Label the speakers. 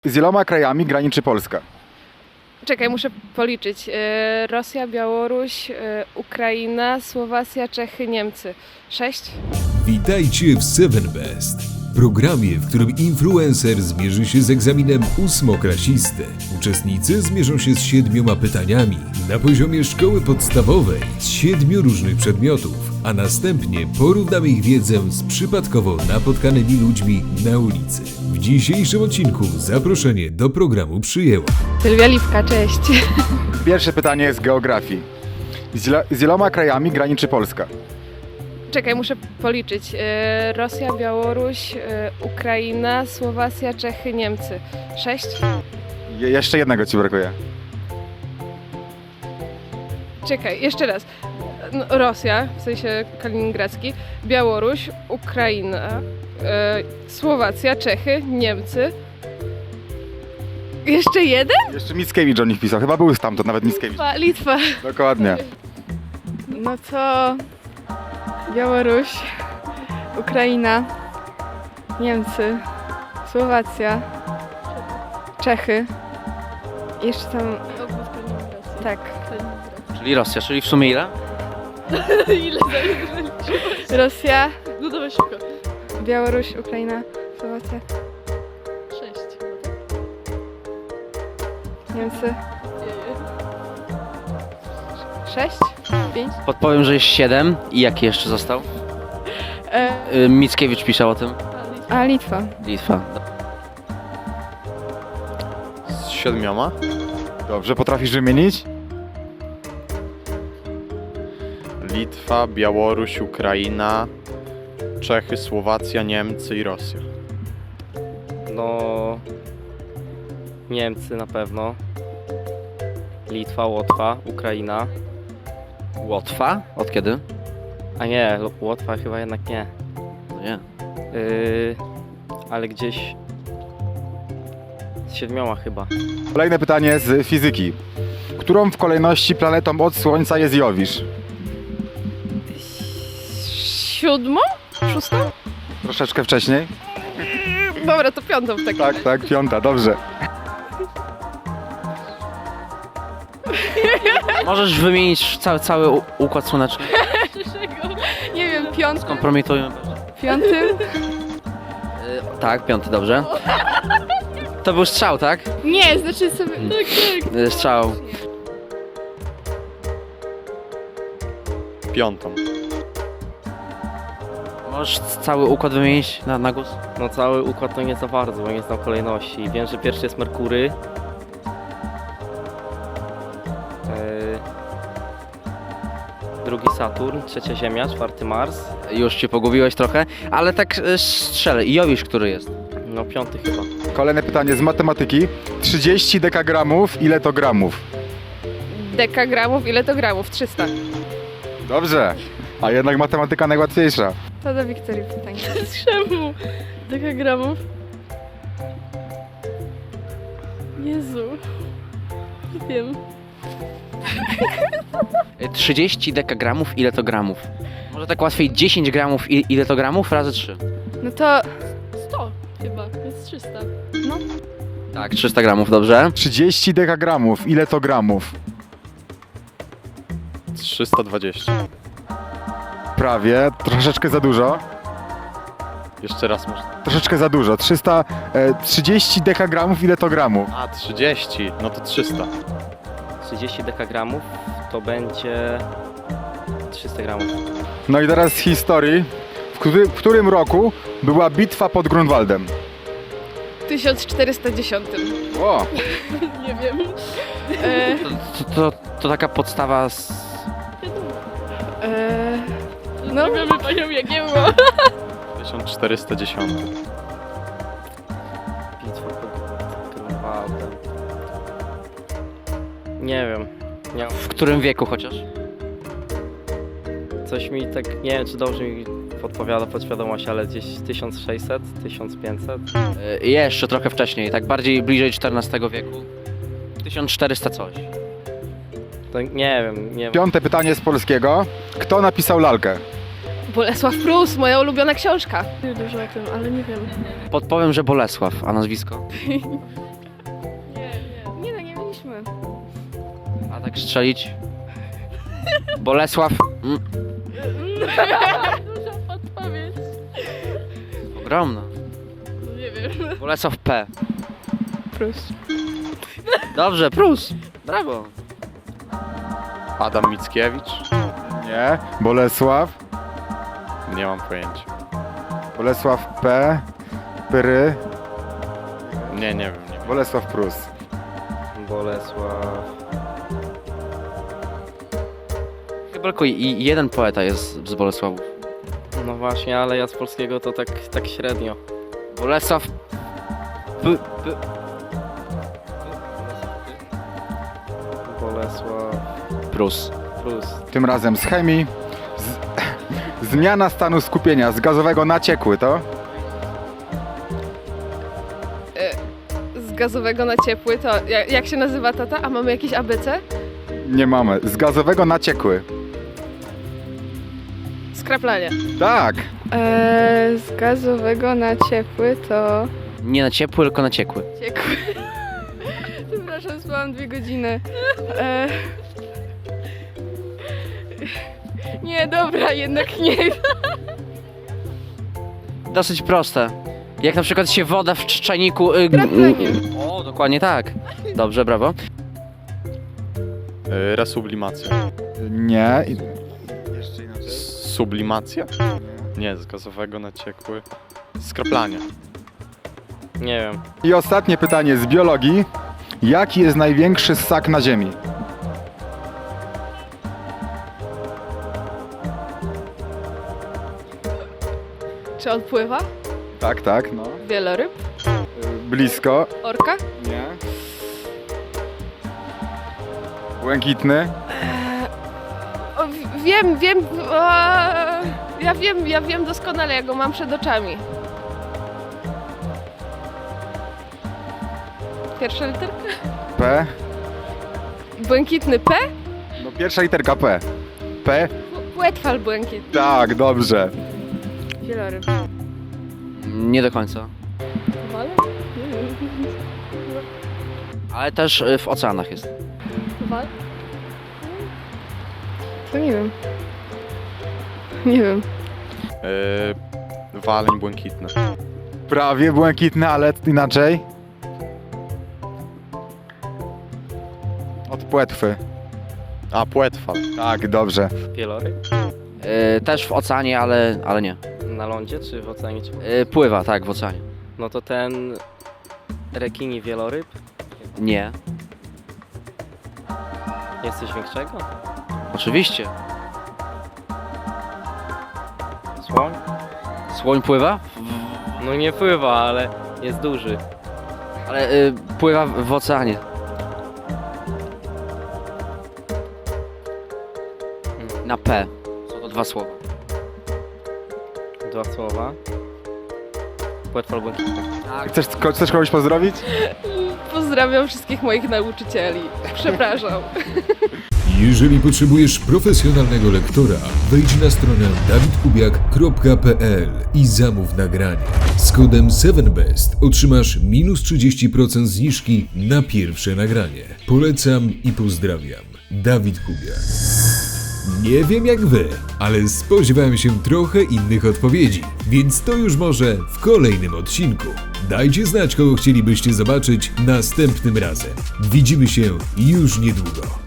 Speaker 1: Z iloma krajami graniczy Polska?
Speaker 2: Czekaj, muszę policzyć. Rosja, Białoruś, Ukraina, Słowacja, Czechy, Niemcy. 6?
Speaker 3: Witajcie w Seven Best, programie, w którym influencer zmierzy się z egzaminem ósmoklasisty. Uczestnicy zmierzą się z 7 pytaniami na poziomie szkoły podstawowej z 7 różnych przedmiotów, a następnie porównamy ich wiedzę z przypadkowo napotkanymi ludźmi na ulicy. W dzisiejszym odcinku zaproszenie do programu przyjęła
Speaker 2: Sylwia Lipka, cześć.
Speaker 1: Pierwsze pytanie jest z geografii. Z iloma krajami graniczy Polska?
Speaker 2: Czekaj, muszę policzyć. Rosja, Białoruś, Ukraina, Słowacja, Czechy, Niemcy. 6?
Speaker 1: Jeszcze jednego ci brakuje.
Speaker 2: Czekaj, jeszcze raz. No, Rosja, w sensie kaliningradzki, Białoruś, Ukraina, Słowacja, Czechy, Niemcy. Jeszcze jeden?
Speaker 1: Jeszcze Mickiewicz o nich pisał, chyba był stamtąd nawet Mickiewicz.
Speaker 2: Litwa.
Speaker 1: Dokładnie.
Speaker 4: No to Białoruś, Ukraina, Niemcy, Słowacja, Czechy. Jeszcze tam. Tak.
Speaker 5: Czyli Rosja, czyli w sumie ile?
Speaker 4: Rosja,
Speaker 2: No dawaj szybko.
Speaker 4: Białoruś, Ukraina, Słowacja,
Speaker 2: 6.
Speaker 4: Niemcy. 6? 5?
Speaker 5: Podpowiem, że jest 7 i jaki jeszcze został? Mickiewicz pisał o tym.
Speaker 4: A Litwa.
Speaker 5: Litwa.
Speaker 6: Z 7?
Speaker 1: Dobrze, potrafisz wymienić?
Speaker 6: Litwa, Białoruś, Ukraina, Czechy, Słowacja, Niemcy i Rosja.
Speaker 7: No, Niemcy na pewno, Litwa, Łotwa, Ukraina,
Speaker 5: Łotwa? Od kiedy?
Speaker 7: a nie, Łotwa chyba jednak nie,
Speaker 5: No nie.
Speaker 7: ale gdzieś z 7 chyba.
Speaker 1: Kolejne pytanie z fizyki. Którą w kolejności planetą od Słońca jest Jowisz?
Speaker 2: 7? 6?
Speaker 1: Troszeczkę wcześniej?
Speaker 2: Dobra, to 5 w takim razie.
Speaker 1: Tak, piąta, dobrze.
Speaker 5: Możesz wymienić cały układ słoneczny?
Speaker 4: Nie wiem,
Speaker 5: Kompromitujmy.
Speaker 4: 5?
Speaker 5: Tak, 5, dobrze. To był strzał, tak?
Speaker 4: Nie, znaczy sobie.
Speaker 5: Strzał.
Speaker 6: Piątą.
Speaker 5: Możesz cały układ wymienić na głos?
Speaker 7: No cały układ to nie za bardzo, bo nie znam kolejności. Wiem, że pierwszy jest Merkury, drugi Saturn, trzecia Ziemia, czwarty Mars,
Speaker 5: Już cię pogubiłeś trochę, ale tak strzelę. I Jowisz, który jest?
Speaker 7: no 5 chyba.
Speaker 1: Kolejne pytanie z matematyki. 30 dekagramów, ile to gramów?
Speaker 2: Dekagramów, ile to gramów? 300.
Speaker 1: Dobrze. A jednak matematyka najłatwiejsza.
Speaker 4: To do Wiktorii pytanie.
Speaker 2: Czemu? Dekagramów? Jezu. Nie wiem.
Speaker 5: 30 dekagramów, ile to gramów? Może tak łatwiej, 10 gramów, ile to gramów? Razy 3.
Speaker 4: No to
Speaker 2: 100 chyba, jest 300.
Speaker 5: Tak, 300 gramów, dobrze.
Speaker 1: 30 dekagramów, ile to gramów?
Speaker 6: 320.
Speaker 1: Prawie, troszeczkę za dużo.
Speaker 6: Jeszcze raz można.
Speaker 1: Troszeczkę za dużo. 30 dekagramów, ile to gramów?
Speaker 6: A, 30. No to 300.
Speaker 7: 30 dekagramów to będzie 300 gramów.
Speaker 1: No i teraz z historii. W którym roku była bitwa pod Grunwaldem?
Speaker 2: 1410.
Speaker 1: O,
Speaker 2: Nie wiem.
Speaker 5: To taka podstawa
Speaker 4: no,
Speaker 2: Wiemy panią Jagiełło.
Speaker 6: 1410.
Speaker 7: Bitwa pod Grunwaldem. Nie wiem. Nie,
Speaker 5: w którym wieku chociaż?
Speaker 7: coś mi tak, nie wiem czy dobrze mi podpowiada podświadomość, ale gdzieś 1600, 1500.
Speaker 5: Jeszcze trochę wcześniej, tak bardziej bliżej XIV wieku. 1400 coś.
Speaker 7: To nie wiem, nie wiem.
Speaker 1: piąte pytanie z polskiego. Kto napisał lalkę?
Speaker 4: Bolesław Prus, moja ulubiona książka.
Speaker 2: Nie dużo o tym, ale nie wiem.
Speaker 5: Podpowiem, że Bolesław, a nazwisko?
Speaker 4: Nie no, nie mieliśmy.
Speaker 5: A tak strzelić? Bolesław.
Speaker 2: Duża podpowiedź.
Speaker 5: Ogromna.
Speaker 2: Nie wiem.
Speaker 5: Bolesław P.
Speaker 4: Prus.
Speaker 5: Dobrze, Prus. Brawo.
Speaker 6: Adam Mickiewicz?
Speaker 1: Nie. Bolesław.
Speaker 6: Nie mam pojęcia.
Speaker 1: Bolesław P. Pyry.
Speaker 6: Nie wiem. Nie wiem.
Speaker 1: Bolesław Prus.
Speaker 7: Bolesław.
Speaker 5: Chyba tylko jeden poeta jest z Bolesławów.
Speaker 7: No właśnie, ale ja z polskiego to tak średnio.
Speaker 5: Bolesław
Speaker 7: Bolesław
Speaker 5: Prus.
Speaker 7: Prus.
Speaker 1: Tym razem z chemii. Zmiana stanu skupienia z gazowego na ciekły to?
Speaker 4: Z gazowego na ciepły to... Jak się nazywa tata? A mamy jakieś ABC?
Speaker 1: Nie mamy. Z gazowego na ciekły.
Speaker 4: Skraplanie.
Speaker 1: Tak.
Speaker 4: Z gazowego na ciepły to...
Speaker 5: Nie na ciepły, tylko na ciekły.
Speaker 4: Ciekły. Przepraszam, spałam 2 godziny. Nie, dobra, jednak nie.
Speaker 5: Dosyć proste. Jak na przykład się woda w czajniku...
Speaker 4: Kraplenie.
Speaker 5: O, dokładnie tak. Dobrze, brawo.
Speaker 6: Resublimacja.
Speaker 1: Nie.
Speaker 6: Sublimacja? Nie, z gazowego na ciekły. Skraplanie.
Speaker 7: Nie wiem.
Speaker 1: I ostatnie pytanie z biologii. Jaki jest największy ssak na Ziemi?
Speaker 4: Czy on pływa?
Speaker 1: Tak, no.
Speaker 4: Wieloryb?
Speaker 1: Blisko.
Speaker 4: Orka?
Speaker 1: Nie. Błękitny.
Speaker 4: O, wiem, ja wiem doskonale, ja go mam przed oczami. Pierwsza literka?
Speaker 1: P.
Speaker 4: Błękitny P?
Speaker 1: No pierwsza literka P. P.
Speaker 4: Płetwal błękitny.
Speaker 1: Tak, dobrze.
Speaker 4: Wieloryb.
Speaker 5: Nie do końca.
Speaker 2: Wal? Nie wiem.
Speaker 5: Ale też w oceanach jest.
Speaker 2: Wal?
Speaker 4: To nie wiem. Nie wiem.
Speaker 6: Waleń błękitny.
Speaker 1: Prawie błękitny, ale inaczej. Od płetwy.
Speaker 6: A, płetwal.
Speaker 1: Tak, dobrze.
Speaker 7: Wieloryb?
Speaker 5: Też w oceanie, ale nie.
Speaker 7: Na lądzie czy w oceanie? Czy...
Speaker 5: Pływa, tak, w oceanie.
Speaker 7: No to ten rekini wieloryb?
Speaker 5: Nie.
Speaker 7: Jest coś większego?
Speaker 5: Oczywiście.
Speaker 7: Słoń?
Speaker 5: Słoń pływa?
Speaker 7: No nie pływa, ale jest duży.
Speaker 5: Ale pływa w oceanie. Na P. Są to 2 słowa.
Speaker 7: 2 słowa. Płetwal błękitny.
Speaker 1: Chcesz kogoś pozdrowić?
Speaker 4: Pozdrawiam wszystkich moich nauczycieli. Przepraszam.
Speaker 3: Jeżeli potrzebujesz profesjonalnego lektora, wejdź na stronę dawidkubiak.pl i zamów nagranie. Z kodem 7best otrzymasz minus 30% zniżki na pierwsze nagranie. Polecam i pozdrawiam. Dawid Kubiak. Nie wiem jak wy, ale spodziewałem się trochę innych odpowiedzi, więc to już może w kolejnym odcinku. Dajcie znać, kogo chcielibyście zobaczyć następnym razem. Widzimy się już niedługo.